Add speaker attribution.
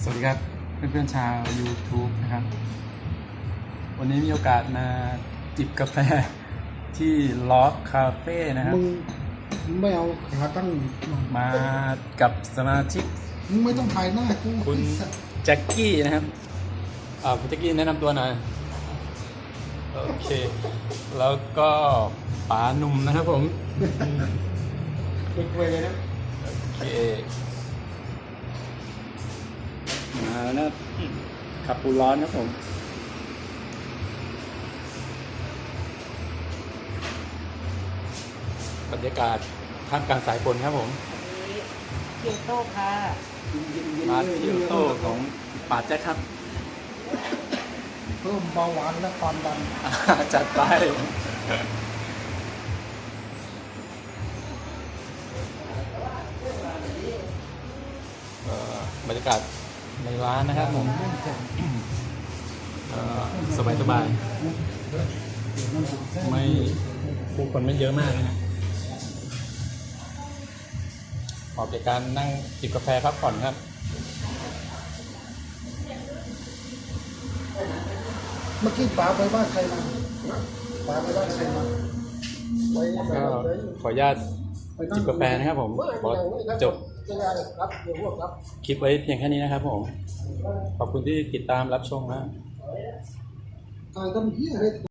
Speaker 1: สวัสดีครับเพื่อนๆชาว YouTube นะครับวันนี้มีโอกาสมาจิบกาแฟที่ลอฟคาเฟ่นะครับ
Speaker 2: มึงไม่เอาขาตั้ง
Speaker 1: มากับสมาชิก
Speaker 2: มึงไม่ต้องถ่ายหน้ากู
Speaker 1: คุณแจ็คกี้นะครับคุณแจ็คกี้แนะนำตัวหน่อยโอเคแล้วก็ป๋าหนุ่มนะครับผม
Speaker 2: เด็กเวรเลยนะ
Speaker 1: โอเคมาแล้วขับปูร้อนครับผมบรรยากาศท่ามกลางสายฝนครับผม
Speaker 3: เกียวโต้ค่ะ
Speaker 1: มาเที่ยวโต้ของป่าแจ็คครับ
Speaker 2: เพิ่มเบาหวานและความดัน
Speaker 1: จัดไปบรรยากาศในร้านนะครับผมสบายสบายไม่ผู้คนไม่เยอะมากนะฮะเหมาะกับการนั่งจิบกาแฟพักผ่อนครับ
Speaker 2: เมื่อกี้ป๋าไปบ้านใครมาป๋าไปบ้านใครมาไป
Speaker 1: ก็ขออนุญาตจิบกาแฟนะครับผมขอจบคลิปไว้เพียงแค่นี้นะครับผมขอบคุณที่ติดตามรับชมนะ
Speaker 2: ถ่ายทำเหี้ยอะไร